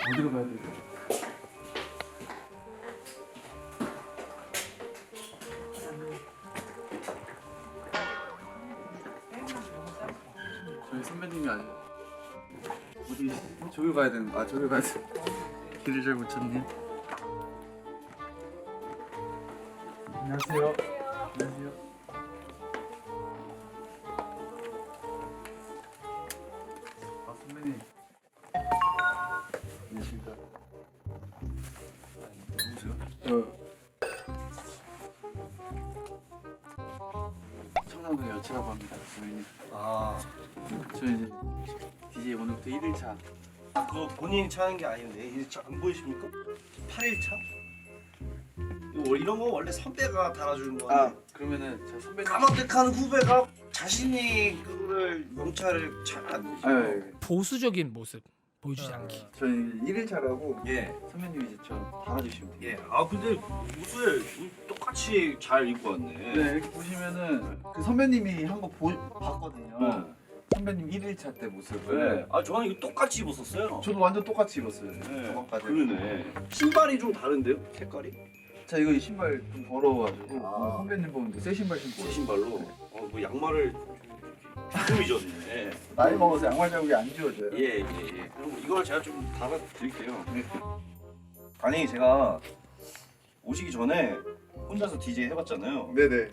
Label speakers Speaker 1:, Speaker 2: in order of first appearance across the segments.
Speaker 1: 어디로 가야 될까? 저희 선배님이 아니에요. 어디 저기 가야 되는? 아 저기 가야 돼. 길을 잘 못 찾네. 안녕하세요. 안녕하세요. 아 선배님. 안녕하십니까. 누구세요? 청담동 여치라고 합니다. 선배님.
Speaker 2: 아,
Speaker 1: 저 이제 DJ 오늘부터 1일차.
Speaker 2: 그거 본인이 차는 게 아닌데 1차 안 보이십니까? 8일차? 이런 거 원래 선배가 달아주는
Speaker 1: 아
Speaker 2: 건데
Speaker 1: 그러면은 저 선배님.
Speaker 2: 까마득한 후배가 자신이 그거를 명찰을 잘 안 내죠.
Speaker 1: 아,
Speaker 3: 보수적인 모습 보여주지 않기.
Speaker 1: 저희 1일차라고
Speaker 2: 예,
Speaker 1: 선배님이 이제 저 달아주시면 돼요.
Speaker 2: 예. 아 근데 옷을 똑같이 잘 입고 왔네.
Speaker 1: 네 이렇게 보시면은 그 선배님이 한 거 봤거든요.
Speaker 2: 네.
Speaker 1: 선배님 1일차 때 모습을.
Speaker 2: 네. 아 저는 이거 똑같이 입었었어요.
Speaker 1: 저도 완전 똑같이 입었어요.
Speaker 2: 네.
Speaker 1: 저번까지.
Speaker 2: 그러네. 신발이 좀 다른데요? 색깔이?
Speaker 1: 자 이거 이 신발 좀 더러워가지고
Speaker 2: 아.
Speaker 1: 선배님 보는데 새 신발 신고.
Speaker 2: 새 신발로. 뭐 양말을 좀 잊었네.
Speaker 1: 나이 먹어서 양말 자국이 안 지워져요.
Speaker 2: 예. 그럼 이걸 제가 좀 달아드릴게요.
Speaker 1: 네.
Speaker 2: 아니 제가 오시기 전에 혼자서 DJ 해봤잖아요.
Speaker 1: 네네.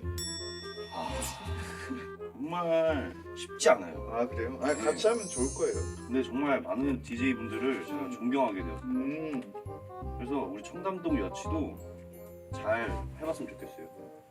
Speaker 2: 정말 쉽지 않아요.
Speaker 1: 아 그래요? 아 같이 하면 좋을 거예요.
Speaker 2: 근데 정말 많은 DJ 분들을 제가 존경하게 되었어요. 그래서 우리 청담동 여치도 잘 해봤으면 좋겠어요.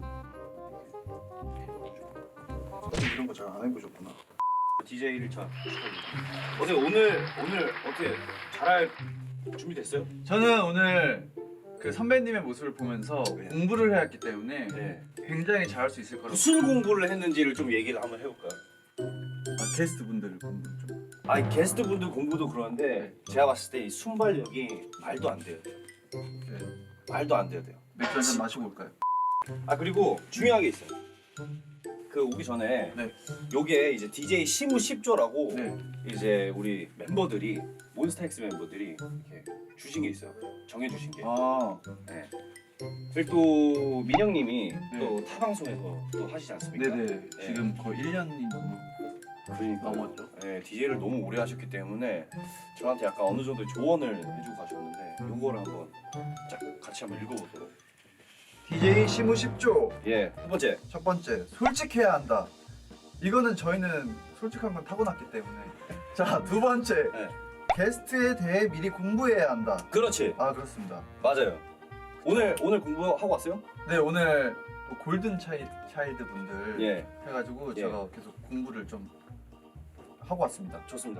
Speaker 1: 이런 거 잘 안 해보셨구나.
Speaker 2: DJ 1차 어때 오늘 어떻게 잘할 준비 됐어요?
Speaker 1: 저는 오늘 그 선배님의 모습을 보면서
Speaker 2: 네.
Speaker 1: 공부를 해왔기 때문에
Speaker 2: 네.
Speaker 1: 굉장히 잘할 수 있을 거라고.
Speaker 2: 무슨 공부를 했는지를 좀 얘기를 한번 해볼까요?
Speaker 1: 아, 게스트 분들 공부 좀.
Speaker 2: 아니 게스트 분들 공부도 그러는데 제가 봤을 때 이 순발력이 말도 안 돼요.
Speaker 1: 네.
Speaker 2: 말도 안 돼요.
Speaker 1: 맥주 한잔 마시고 올까요?
Speaker 2: 아 그리고 중요한 게 있어요. 그 오기 전에
Speaker 1: 네.
Speaker 2: 요게 이제 DJ 시무 10조라고
Speaker 1: 네.
Speaker 2: 이제 우리 멤버들이 몬스타엑스 멤버들이 이렇게 주신 게 있어요. 정해 주신 게.
Speaker 1: 아,
Speaker 2: 네. 그리고 또 민영님이
Speaker 1: 네.
Speaker 2: 또 타 방송에서 또 하시지 않습니까?
Speaker 1: 네네. 지금 거의 1년이
Speaker 2: 그러니까
Speaker 1: 넘었죠.
Speaker 2: 네, DJ를 너무 오래 하셨기 때문에 저한테 약간 어느 정도 조언을 해주고 가셨는데 요거를 한번 쫙 같이 한번 읽어보도록.
Speaker 1: DJ 시무 10조.
Speaker 2: 예, 첫 번째.
Speaker 1: 첫 번째, 솔직해야 한다. 이거는 저희는 솔직한 건 타고났기 때문에. 자, 두 번째,
Speaker 2: 네.
Speaker 1: 게스트에 대해 미리 공부해야 한다.
Speaker 2: 그렇지.
Speaker 1: 아, 그렇습니다.
Speaker 2: 맞아요. 오늘 공부하고 왔어요?
Speaker 1: 네, 오늘 또 골든 차일드 분들
Speaker 2: 예,
Speaker 1: 해가지고
Speaker 2: 예.
Speaker 1: 제가 계속 공부를 좀 하고 왔습니다.
Speaker 2: 좋습니다.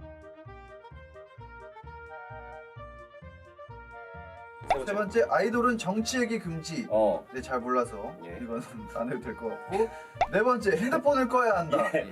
Speaker 1: 세 번째, 아이돌은 정치 얘기 금지.
Speaker 2: 어.
Speaker 1: 네, 잘 몰라서
Speaker 2: 예.
Speaker 1: 이거는 안 해도 될 것 같고. 네 번째, 핸드폰을 꺼야 한다.
Speaker 2: 예.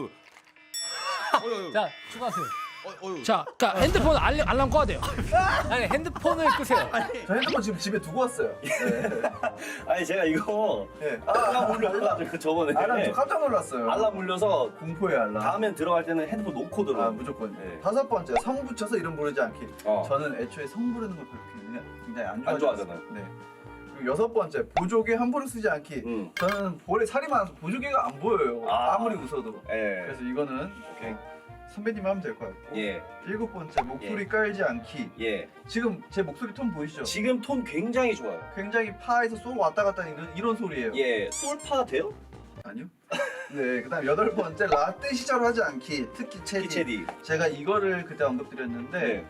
Speaker 3: 자 추가하세요. 자, 그러니까 핸드폰 알람 꺼야 돼요. 아니 핸드폰을 끄세요.
Speaker 1: 저 핸드폰 지금 집에 두고 왔어요. 네.
Speaker 2: 아니 제가 이거
Speaker 1: 네.
Speaker 2: 알람 울려가지고 저번에
Speaker 1: 알람 저 깜짝 놀랐어요.
Speaker 2: 알람 울려서
Speaker 1: 공포의 알람.
Speaker 2: 다음엔 들어갈 때는 핸드폰 놓고 들어.
Speaker 1: 아 무조건.
Speaker 2: 네.
Speaker 1: 다섯 번째, 성 붙여서 이름 부르지 않기.
Speaker 2: 어.
Speaker 1: 저는 애초에 성 부르는 걸 굉장히 안
Speaker 2: 안
Speaker 1: 좋아하잖아요.
Speaker 2: 좋아하잖아요.
Speaker 1: 네. 그리고 여섯 번째, 보조개 함부로 쓰지 않기. 저는 볼에 살이 많아서 보조개가 안 보여요.
Speaker 2: 아.
Speaker 1: 아무리 웃어도.
Speaker 2: 예.
Speaker 1: 그래서 이거는
Speaker 2: 오케이.
Speaker 1: 선배님 하면 될 것 같고.
Speaker 2: 예.
Speaker 1: 일곱 번째, 목소리 깔지 않기.
Speaker 2: 예.
Speaker 1: 지금 제 목소리 톤 보이시죠?
Speaker 2: 지금 톤 굉장히 좋아요.
Speaker 1: 굉장히 파에서 쏘고 왔다 갔다 하는 이런 소리예요.
Speaker 2: 예. 솔파 돼요?
Speaker 1: 아니요. 네, 그다음 여덟 번째, 라떼 시절 하지 않기. 특히 체디.
Speaker 2: 키체디.
Speaker 1: 제가 이거를 그때 언급드렸는데
Speaker 2: 네.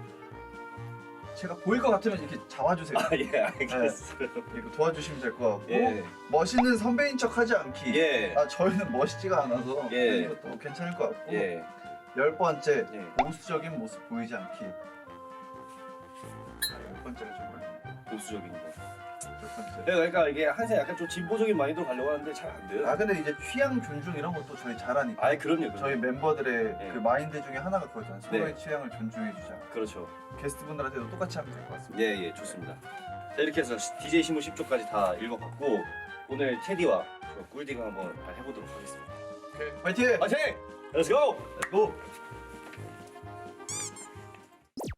Speaker 1: 제가 보일 것 같으면 이렇게 잡아주세요.
Speaker 2: 아 예. 알겠어요.
Speaker 1: 이거 도와주시면 될 것 같고.
Speaker 2: 예.
Speaker 1: 멋있는 선배인 척 하지 않기.
Speaker 2: 예.
Speaker 1: 아 저희는 멋있지가 않아서
Speaker 2: 예.
Speaker 1: 이것도 괜찮을 것 같고.
Speaker 2: 예.
Speaker 1: 열 번째,
Speaker 2: 예.
Speaker 1: 보수적인 모습 보이지 않기. 열 번째가 정말
Speaker 2: 보수적인 거.
Speaker 1: 열 번째.
Speaker 2: 그러니까 이게 한세 약간 좀 진보적인 마인드로 가려고 하는데 잘 안 돼요.
Speaker 1: 아 근데 이제 취향 존중 이런 것도 저희 잘하니까.
Speaker 2: 아이 그럼요.
Speaker 1: 저희 멤버들의
Speaker 2: 예.
Speaker 1: 그 마인드 중에 하나가 그거잖아요. 서로의
Speaker 2: 네.
Speaker 1: 취향을 존중해주자.
Speaker 2: 그렇죠.
Speaker 1: 게스트분들한테도 똑같이 하면 될 것 같습니다.
Speaker 2: 예, 좋습니다. 자, 이렇게 해서 DJ 신문 10조까지 다 읽어봤고 오늘 테디와 꿀디가 한번 해보도록 하겠습니다.
Speaker 1: 화이팅!
Speaker 2: 화이팅! Let's go!
Speaker 1: 고!